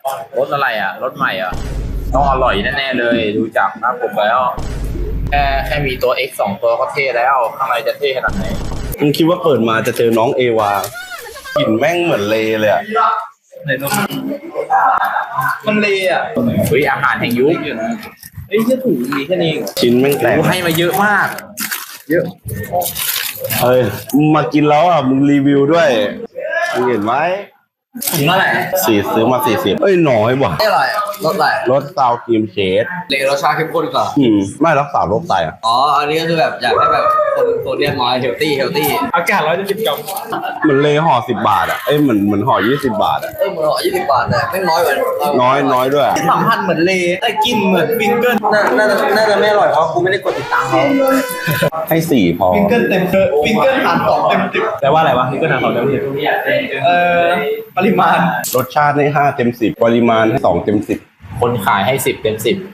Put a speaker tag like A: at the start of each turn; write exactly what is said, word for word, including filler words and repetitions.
A: รถอะไรอ่ะรถใหม่อ่ะต้องอร่อยแน่ๆเลยดูจากหน้าปกแล้วแค่แค่มีตัว X สองตัวก็เท่แล้วข้างในจะเท่ขนาดไหน
B: มึงคิดว่าเปิดมาจะเจอน้องเอวากลิ่นแม่งเหมือนเลเลยอะ
C: ในรถมันเลอ่ะ
A: เฮ้ยอาหารแห่งยุค
C: เอ้ยแค่ถุงมีแค่นี้เอง
B: ชิ้นแม่งแตก
A: กูให้มาเยอะมาก เยอะ
B: เฮ้ยมึงมากินแล้วอ่ะมึงรีวิวด้วยมึงเห็นไหม
C: ถุงเท่าไหร่
B: สี่ซื้อมาสี่สิบเอ้ยหน่อยว่ะ
C: ไม่อร่อยรสอะไร
B: รสซาวครีมเชด
C: เลรสชาติเข้มข้นกว่า
B: อืมไม่รักษาโรคไตอ่ะ
C: อ๋ออันนี้ก็คือแบบอยากให้แบบคนโซเดียมน้อยเฮลตี้เฮลตี้
D: อากาศร้อยเจ็ดสิบกรัม
B: เหมือนเลห่อสิบบาทอ่ะเอ้ยเหมือนเหมือนห่อยี่สิบบาทอ่ะ
C: เออมันห่อยี่สิบบาทแต่ไม่น้อยกว่า
B: น้อยน้อยด้วยอะ
C: สัมพันธ์เหมือนเลแต่กินเหมือนวิงเกิลน่าน่าจะน่าจะไม่อร่อยเพราะกูไม่ได้กดติดตามเขา
B: ให้สี่พอ
C: วิงเกิลเต็มวิงเกิลหารสองเต็มสิบ
D: แปลว่าอะไรวะนี่ก็ทางเขาเต็มที่
C: เอ่อปริมาณ
B: รสชาติให้ห้าเต็มสิบปริมาณให้สองเต็มสิบ
A: คนขายให้สิบเต็มสิบ